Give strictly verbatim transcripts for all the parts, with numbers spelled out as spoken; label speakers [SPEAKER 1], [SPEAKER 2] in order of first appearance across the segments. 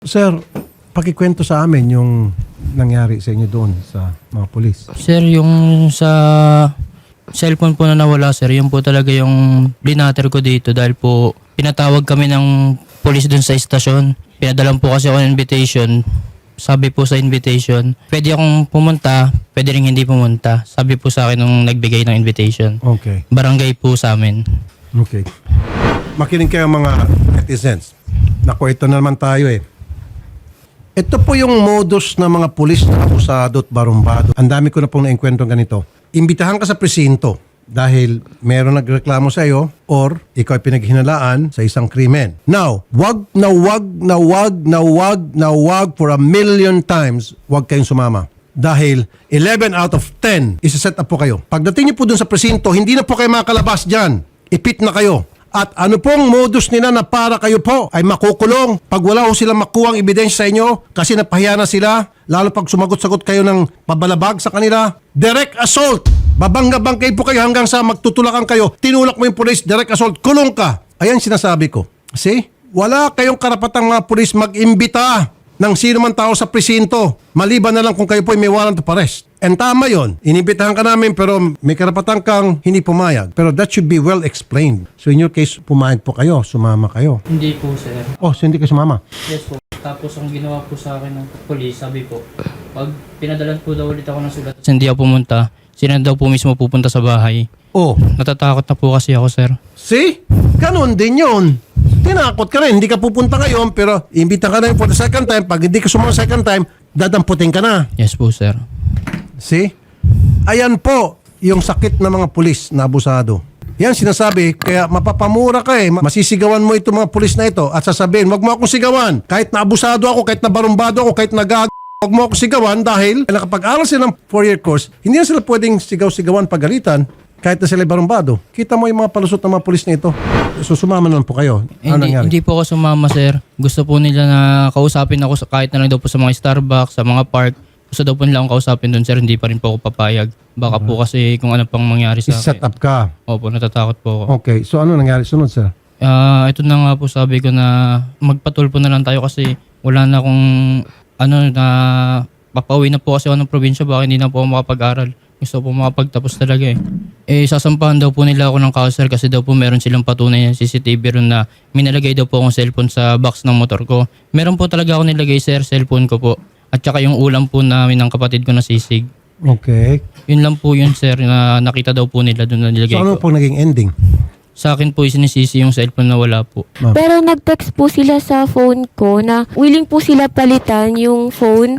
[SPEAKER 1] Sir, pakikwento sa amin yung nangyari sa inyo doon sa mga polis.
[SPEAKER 2] Sir, yung sa cellphone po na nawala, sir, yun po talaga yung binater ko dito dahil po pinatawag kami ng polis doon sa istasyon. Pinadalan po kasi ako ng invitation. Sabi po sa invitation, pwede akong pumunta, pwede rin hindi pumunta. Sabi po sa akin nung nagbigay ng invitation.
[SPEAKER 1] Okay.
[SPEAKER 2] Barangay po sa amin.
[SPEAKER 1] Okay. Makinig kayo mga netizens. Naku, ito na naman tayo eh. Ito po yung modus ng mga pulis na abusado at barumbado. Ang dami ko na pong naengkwentong ganito. Imbitahan ka sa presinto dahil meron nagreklamo sa iyo or ikaw ay pinaghinalaan sa isang krimen. Now, wag na wag na wag na wag na wag for a million times wag kayong sumama. Dahil eleven out of ten isa-set up po kayo. Pagdating niyo po dun sa presinto, hindi na po kayo makalabas dyan. Ipit na kayo. At ano pong modus nila na para kayo po ay makukulong pag wala ho silang makuhang ebidensya sa inyo kasi napahiya na sila, lalo pag sumagot-sagot kayo ng pabalabag sa kanila. Direct assault. Babangga-bangkay po kayo hanggang sa magtutulakan kayo. Tinulak mo yung police, direct assault, kulong ka. Ayan sinasabi ko. See? Wala kayong karapatang mga police mag-imbita ng sino man tao sa presinto. Maliban na lang kung kayo po ay may warrant of arrest. And tama yun. Inibitahan ka namin pero may karapatan kang hindi pumayag. Pero that should be well explained. So in your case, pumayag po kayo, sumama kayo.
[SPEAKER 2] Hindi po, sir.
[SPEAKER 1] Oh, so hindi kayo sumama?
[SPEAKER 2] Yes po. Tapos ang ginawa po sa akin ng police, sabi po, pag pinadalan po daw ulit ako ng sulat, hindi ako pumunta, sila daw po mismo pupunta sa bahay.
[SPEAKER 1] Oh.
[SPEAKER 2] Natatakot na po kasi ako, sir.
[SPEAKER 1] See? Ganon din yun. Tinakot ka rin. Hindi ka pupunta ngayon pero imbita ka na for the second time. Pag hindi ka sumama second time, dadamputin ka na.
[SPEAKER 2] Yes po, sir.
[SPEAKER 1] See? Ayan po yung sakit ng mga pulis na abusado. Yan sinasabi, kaya mapapamura ka eh. Masisigawan mo itong mga pulis na ito at sasabihin, wag mo akong sigawan. Kahit na abusado ako, kahit na barumbado ako, kahit na gag... Wag mo akong sigawan dahil nakapag-aral sila ng four-year course, hindi na sila pwedeng sigaw-sigawan pagalitan kahit na sila barumbado. Kita mo yung mga palusot ng mga pulis na ito. So sumama na lang po kayo. Ano
[SPEAKER 2] hindi,
[SPEAKER 1] nangyari?
[SPEAKER 2] hindi po ako sumama, sir. Gusto po nila na kausapin ako sa, kahit na lang daw po sa mga Starbucks, sa mga park. Gusto daw po nila akong kausapin doon, sir. Hindi pa rin po ako papayag. Baka po kasi kung ano pang mangyari sa
[SPEAKER 1] Set
[SPEAKER 2] akin.
[SPEAKER 1] up ka.
[SPEAKER 2] Opo, natatakot po ako.
[SPEAKER 1] Okay. So ano nangyari? Sunod, sir?
[SPEAKER 2] Ah, ito na nga po sabi ko na magpatulpo na lang tayo kasi wala na akong ano na papauwi na po kasi ako ng probinsya, baka hindi na po ako makapag-aral. Gusto po makapagtapos talaga eh. Eh, sasampahan daw po nila ako ng kausar kasi daw po meron silang patunay ng C C T V ron na minalagay daw po akong cellphone sa box ng motor ko. Meron po talaga ako nilagay, sir, cellphone ko po. At saka yung ulam po namin ng kapatid ko na sisig.
[SPEAKER 1] Okay.
[SPEAKER 2] Yun lang po yun, sir, na nakita daw po nila doon na nilagay
[SPEAKER 1] So ano
[SPEAKER 2] ko.
[SPEAKER 1] po naging ending?
[SPEAKER 2] Sa akin po sinisisi yung cellphone na wala po.
[SPEAKER 3] Pero nag-text po sila sa phone ko na willing po sila palitan yung phone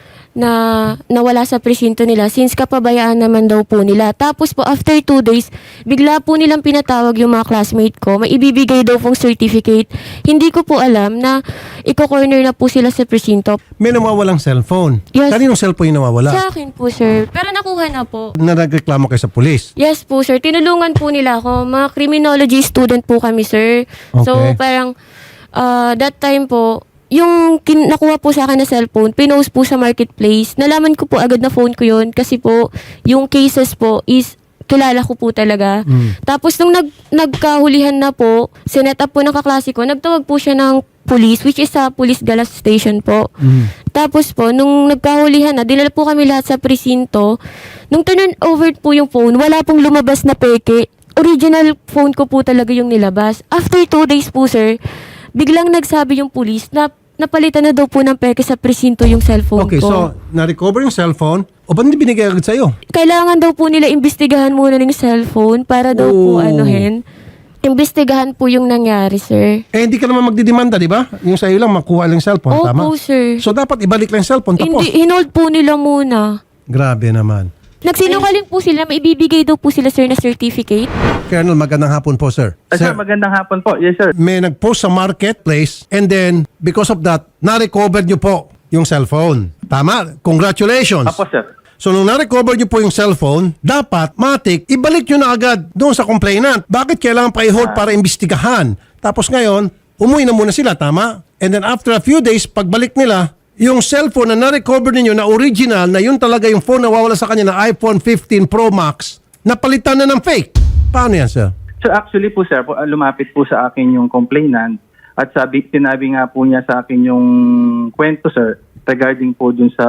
[SPEAKER 3] na nawala sa presinto nila since kapabayaan naman daw po nila. Tapos po after two days, bigla po nilang pinatawag yung mga classmate ko. May ibibigay daw pong certificate. Hindi ko po alam na iko-corner na po sila sa presinto.
[SPEAKER 1] May nawawalang cellphone.
[SPEAKER 3] Yes.
[SPEAKER 1] Kaninong cellphone yung nawawala?
[SPEAKER 3] Sa akin po, sir. Pero nakuha na po.
[SPEAKER 1] Na nagreklamo kayo sa pulis.
[SPEAKER 3] Yes po, sir. Tinulungan po nila ako. Mga criminology student po kami, sir. So,
[SPEAKER 1] Okay.
[SPEAKER 3] parang uh, that time po, yung kin- nakuha po sa akin na cellphone, pinost po sa marketplace. Nalaman ko po agad na phone ko yun kasi po, yung cases po is kilala ko po talaga.
[SPEAKER 1] Mm.
[SPEAKER 3] Tapos nung nag nagkahulihan na po, sinet up po ng kaklase ko, nagtawag po siya ng police, which is sa police galas station po.
[SPEAKER 1] Mm.
[SPEAKER 3] Tapos po, nung nagkahulihan na, dinala po kami lahat sa presinto. Nung turn over po yung phone, wala pong lumabas na peke. Original phone ko po talaga yung nilabas. After two days po, sir, biglang nagsabi yung police na napalitan na daw po ng peke sa presinto yung cellphone
[SPEAKER 1] Okay,
[SPEAKER 3] ko.
[SPEAKER 1] so na-recover yung cellphone. O ba't hindi binigay agad sa'yo?
[SPEAKER 3] Kailangan daw po nila imbestigahan muna ng cellphone para daw po
[SPEAKER 1] Oh.
[SPEAKER 3] anuhin. Imbestigahan po yung nangyari, sir.
[SPEAKER 1] Eh, hindi ka naman magdidemanda, di ba? Yung sa'yo lang, makuha lang yung cellphone,
[SPEAKER 3] Opo,
[SPEAKER 1] tama?
[SPEAKER 3] sir.
[SPEAKER 1] So, dapat ibalik lang yung cellphone, tapos.
[SPEAKER 3] Hindi, hinold po nila muna.
[SPEAKER 1] Grabe naman.
[SPEAKER 3] Nagsinungaling po sila, may ibibigay daw po sila, sir, na certificate.
[SPEAKER 1] Colonel, magandang hapon po, sir.
[SPEAKER 4] Ah, sir, magandang hapon po. Yes, sir.
[SPEAKER 1] May nag-post sa marketplace and then, because of that, na-recover nyo po yung cellphone. Tama? Congratulations.
[SPEAKER 4] Apo, sir.
[SPEAKER 1] So, nung na-recover nyo po yung cellphone, dapat, matik, ibalik nyo na agad doon sa complainant. Bakit kailangan pa i-hold para imbestigahan? Tapos ngayon, umuwi na muna sila, tama? And then after a few days, pagbalik nila, yung cellphone na na-recover ninyo na original, na yun talaga yung phone na wawala sa kanya na iPhone fifteen Pro Max, napalitan na ng fake. Paano yan, sir?
[SPEAKER 4] So actually po, sir, po, lumapit po sa akin yung complainant At sabi, sinabi nga po niya sa akin yung kwento, sir, regarding po dun sa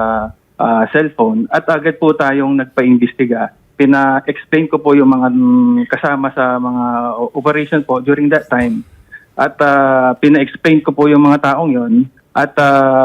[SPEAKER 4] ah, cellphone. At agad po tayong nagpa-imbestiga. Pina-explain ko po yung mga mm, kasama sa mga o- operation po during that time. At ah, pina-explain ko po yung mga taong yon. At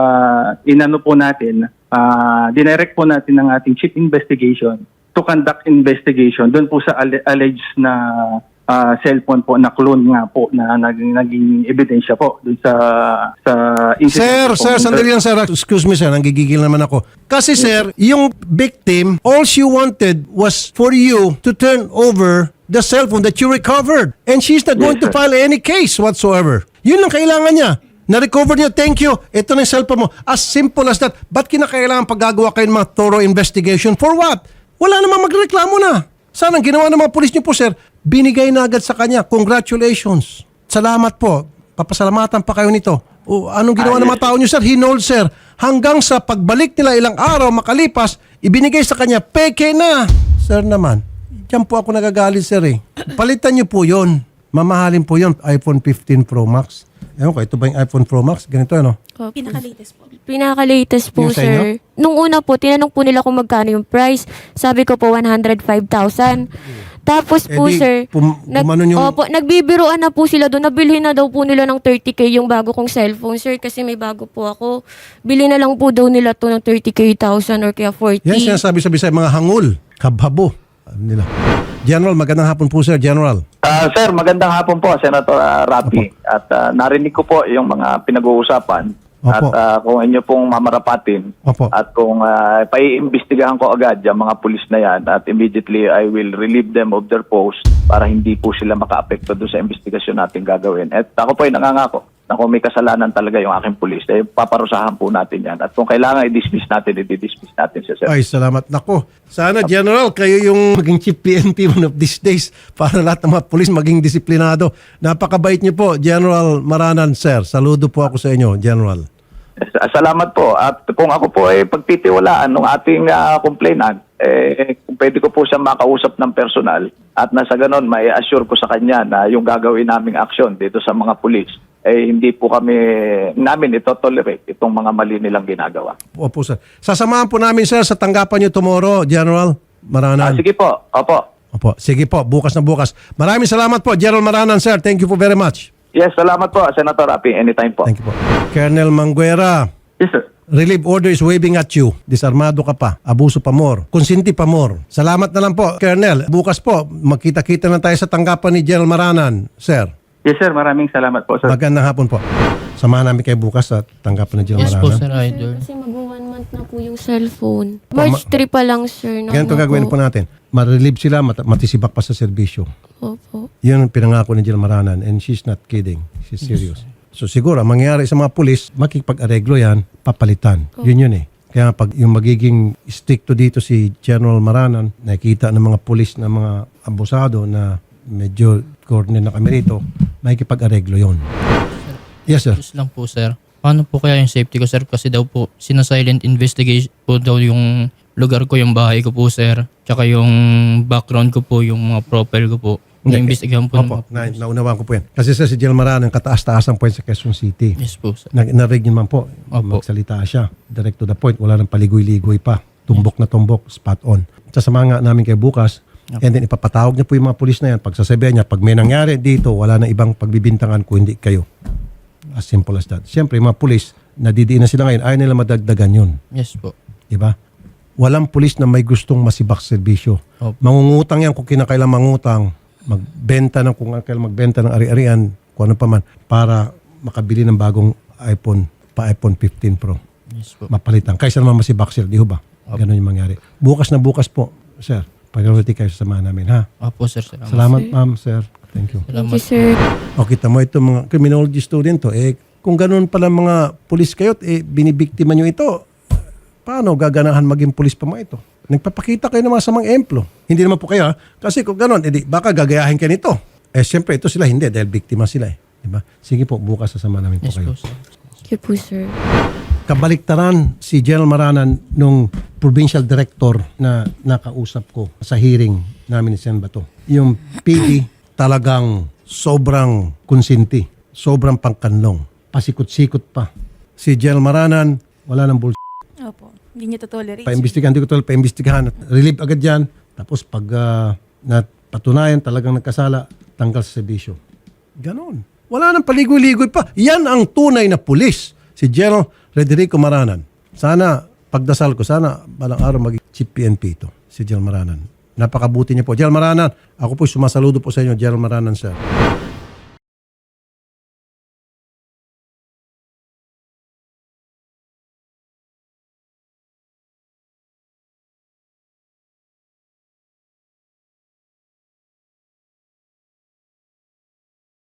[SPEAKER 4] ah, inano po natin, uh, dinirect po natin ng ating chief investigation to conduct investigation doon po sa alle- alleged na ah, cellphone po na clone nga po na naging, naging ebidensya po doon sa sa
[SPEAKER 1] Sir,
[SPEAKER 4] incident po.
[SPEAKER 1] sir, sandali lang sir. Excuse me sir, nanggigigil naman ako. Kasi sir, yung victim, all she wanted was for you to turn over the cellphone that you recovered. And she's not going to
[SPEAKER 4] Yes, sir.
[SPEAKER 1] file any case whatsoever. Yun ang kailangan niya. Na-recover niya, thank you. Ito na yung cellphone mo. As simple as that. Ba't kinakailangan paggagawa kayo ng mga thorough investigation? For what? Wala namang magreklamo na. Sana ang ginawa ng mga pulis niyo po, sir, binigay na agad sa kanya. Congratulations. Salamat po. Papasalamatan pa kayo nito. O, anong ginawa
[SPEAKER 4] Ah,
[SPEAKER 1] ng
[SPEAKER 4] yes,
[SPEAKER 1] mga tao niyo, sir? Hinold, sir. Hanggang sa pagbalik nila ilang araw makalipas, ibinigay sa kanya, peke na. Sir naman, diyan po ako nagagalit, sir eh. Palitan niyo po yun. Mamahalin po yun. iPhone fifteen Pro Max. Ewan ko, ito ba yung iPhone Pro Max? Ganito, ano?
[SPEAKER 3] Pinaka-latest po. Pinaka-latest po,
[SPEAKER 1] Yung sa inyo?
[SPEAKER 3] sir. Nung una po, tinanong po nila kung magkano yung price. Sabi ko po, one hundred five thousand. Tapos po,
[SPEAKER 1] Eh di,
[SPEAKER 3] sir,
[SPEAKER 1] pum- gumanon yung-
[SPEAKER 3] opo, nagbibiruan na po sila doon. Nabilhin na daw po nila ng thirty K yung bago kong cellphone, sir, kasi may bago po ako. Bili na lang po daw nila to ng thirty K thousand or kaya forty.
[SPEAKER 1] Yan sinasabi-sabi sa mga hangul. Kabhabo. Ano nila? General, magandang hapon po, sir. General.
[SPEAKER 5] Ah, sir, magandang hapon po, Senator uh, Rapi. At ah, narinig ko po yung mga pinag-uusapan.
[SPEAKER 1] Opo.
[SPEAKER 5] At ah, kung inyo pong mamarapatin.
[SPEAKER 1] Opo.
[SPEAKER 5] At kung uh, paiimbestigahan ko agad yung mga pulis na yan at immediately I will relieve them of their post para hindi po sila maka-apekto doon sa investigasyon natin gagawin. At ako po ay nangangako na kung may kasalanan talaga yung aking pulis, eh, paparusahan po natin yan. At kung kailangan i-dismiss natin, i-dismiss natin siya, sir.
[SPEAKER 1] Ay, salamat. Nako. Sana, General, kayo yung maging chief P N P one of these days para lahat ng mga pulis maging disiplinado. Napakabait niyo po, General Maranan, sir. Saludo po ako sa inyo, General.
[SPEAKER 5] Sa- Salamat po. At kung ako po ay pagtitiwalaan ng ating ah, complainant, eh, kung pwede ko po siya makausap ng personal at nasa ganon, may assure ko sa kanya na yung gagawin naming aksyon dito sa mga pulis, eh hindi po kami, namin ito tolerate itong mga mali nilang ginagawa.
[SPEAKER 1] Opo, sir. Sasamahan po namin, sir, sa tanggapan niyo tomorrow, General Maranan.
[SPEAKER 5] Ah, sige po. Opo.
[SPEAKER 1] Opo. Sige po, bukas na bukas. Maraming salamat po, General Maranan, sir. Thank you po very much.
[SPEAKER 5] Yes, salamat po, Senator Rapi. Anytime po.
[SPEAKER 1] Thank you po. Colonel Manguera,
[SPEAKER 4] Yes, sir.
[SPEAKER 1] relief order is waving at you. Disarmado ka pa. Abuso pa more. Konsinti pa more. Salamat na lang po, Colonel. Bukas po, magkita-kita na tayo sa tanggapan ni General Maranan, sir.
[SPEAKER 4] Yes, sir. Maraming salamat po, sir.
[SPEAKER 1] Magandang hapon po. Samahan namin kayo bukas sa tanggapan ni General
[SPEAKER 2] Yes po,
[SPEAKER 1] Maranan.
[SPEAKER 2] Sir Idol.
[SPEAKER 3] Kasi mag-one month na po yung cellphone. March three pa lang, sir. na
[SPEAKER 1] Ganito
[SPEAKER 3] ano
[SPEAKER 1] gagawin po natin. Ma-relieve sila, mat- matisibak pa sa serbisyo.
[SPEAKER 3] Opo.
[SPEAKER 1] Yun ang pinangako ni General Maranan and she's not kidding. She's serious. So siguro, ang mangyayari sa mga pulis, makikipag-areglo yan, papalitan. Yun yun eh. Kaya pag yung magiging stricto dito si General Maranan, nakikita ng mga pulis na mga abusado na medyo corner na kami rito, makikipag-areglo yun. Yes, sir.
[SPEAKER 2] Just lang po, sir. Paano po kaya yung safety ko, sir? Kasi daw po, sinasilent investigation po daw yung lugar ko, yung bahay ko po, sir. Tsaka yung background ko po, yung mga profile ko po. Na-investigahan po. ng
[SPEAKER 1] Opo,
[SPEAKER 2] mga
[SPEAKER 1] na,
[SPEAKER 2] police.
[SPEAKER 1] naunawaan ko po yan. Kasi sir, si General Maranan, kataas-taasan po yan sa Quezon City.
[SPEAKER 2] Yes po, sir.
[SPEAKER 1] Na, narig niyo man po,
[SPEAKER 2] Opo.
[SPEAKER 1] magsalita siya. Direct to the point, wala nang paligoy-ligoy pa. Tumbok na tumbok, spot on. Sasamahan nga namin kayo bukas, and then ipapatawag niyo po yung mga pulis na yan. Pag sasabihan niya, pag may nangyari dito, wala na ibang pagbibintangan kung hindi kayo. As simple as that. Siyempre, yung mga pulis, nadidiin na sila ngayon, ayaw nila madagdagan yun.
[SPEAKER 2] Yes po.
[SPEAKER 1] Diba? Walang pulis na may gustong masibak serbisyo.
[SPEAKER 2] Opo.
[SPEAKER 1] Mangungutang yan kung kinakailang mangutang, magbenta ng kung kailang magbenta ng ari-arian, kung ano pa man, para makabili ng bagong iPhone, pa iPhone fifteen Pro.
[SPEAKER 2] Yes po.
[SPEAKER 1] Mapalitan. Kaysa naman masibak, sir, di ho ba? Ganun yung mangyari. Bukas na bukas po, sir. Priority kayo sa samahan namin, ha?
[SPEAKER 2] Opo, sir. Salamat.
[SPEAKER 1] Salamat, ma'am, sir. Thank you.
[SPEAKER 3] Thank
[SPEAKER 2] Salamat.
[SPEAKER 3] you, sir.
[SPEAKER 1] O kita mo ito mga criminology student to, eh kung ganun pala mga pulis kayo, eh binibiktima nyo ito, paano gaganahan maging pulis pa mga ito? Nagpapakita kayo ng mga samang emplo. Hindi naman po kayo, ha? Kasi kung ganun, edi baka gagayahin kayo nito. Eh siyempre ito sila hindi dahil biktima sila eh. Diba? Sige po, bukas sasama namin po
[SPEAKER 2] Yes
[SPEAKER 1] kayo.
[SPEAKER 2] po, sir.
[SPEAKER 3] Thank you po, sir.
[SPEAKER 1] Kabaliktaran si General Maranan nung provincial director na nakausap ko sa hearing namin ni Sen Bato. Yung P D talagang sobrang konsinti. sobrang pangkanlong. Pasikot-sikot pa. Si General Maranan, wala nang bull.
[SPEAKER 6] Opo. Hindi niya to-tolerate.
[SPEAKER 1] Paimbestigahan, di ko tol, paimbestigahan. Relieve agad yan. Tapos pag uh, napatunayan talagang nagkasala, tanggal sa serbisyo. Ganon. Wala nang paligoy-ligoy pa. Yan ang tunay na pulis. Si General Frederico Maranan. Sana, pagdasal ko, sana balang araw maging Chief P N P ito. Si General Maranan. Napakabuti niya po. General Maranan, ako po sumasaludo po sa inyo, General Maranan, sir.